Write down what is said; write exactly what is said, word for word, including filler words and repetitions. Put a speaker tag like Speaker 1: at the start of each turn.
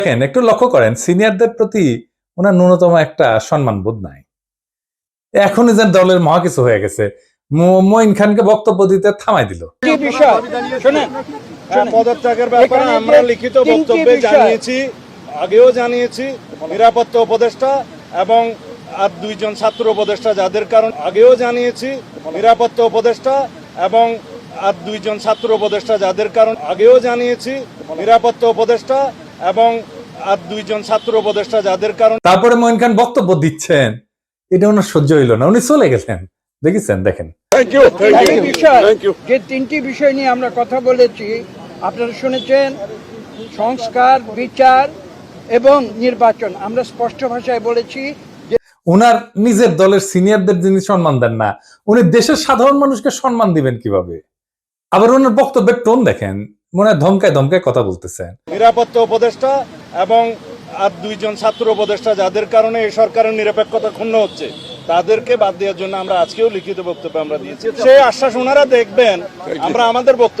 Speaker 1: দেখেন একটু লক্ষ্য করেন সিনিয়রদের প্রতি ওনার ন্যূনতম একটা সম্মান বোধ নাই। এখনই যেন দলের মহা কিছু হয়ে গেছে, মঈন খানকে বক্তব্য দিতে থামাই দিল।
Speaker 2: পদত্যাগের ব্যাপারে আমরা লিখিত বক্তব্যে জানিয়েছি, আগেও জানিয়েছি নিরাপত্তা উপদেষ্টা এবং আর দুইজন ছাত্র উপদেষ্টা যাদের কারণ আগেও জানিয়েছি নিরাপত্তা উপদেষ্টা এবং আর দুইজন ছাত্র উপদেষ্টা যাদের কারণ আগেও জানিয়েছি নিরাপত্তা উপদেষ্টা এবং আর দুইজন ছাত্র উপদেষ্টা যাদের কারণ
Speaker 1: তারপরে মঈন খান বক্তব্য দিচ্ছেন, এটা ওনার সহ্য হইল না, উনি চলে গেছেন। দেখেছেন, দেখেন
Speaker 3: যে তিনটি বিষয় নিয়ে আমরা কথা বলেছি আপনারা শুনেছেন, সংস্কার, বিচার এবং নির্বাচন। আমরা স্পষ্ট ভাষায় বলেছি যে
Speaker 1: উনার নিজের দলের সিনিয়রদের যিনি সম্মান দেন না, উনি দেশের সাধারণ মানুষকে সম্মান দিবেন কিভাবে? আবার ওনার বক্তব্যের টোন দেখেন, মনে হয় ধমকায় ধমকায় কথা বলতেছেন।
Speaker 2: নিরাপত্তা উপদেষ্টা এবং আর দুইজন ছাত্র উপদেষ্টা যাদের কারণে এই সরকারের নিরপেক্ষতা ক্ষুণ্ণ হচ্ছে তাদেরকে বাদ দেওয়ার জন্য আমরা আজকেও লিখিত বক্তব্য আমরা দিয়েছি। সেই আশ্বাস ওনারা দেখবেন, আমরা আমাদের বক্তব্য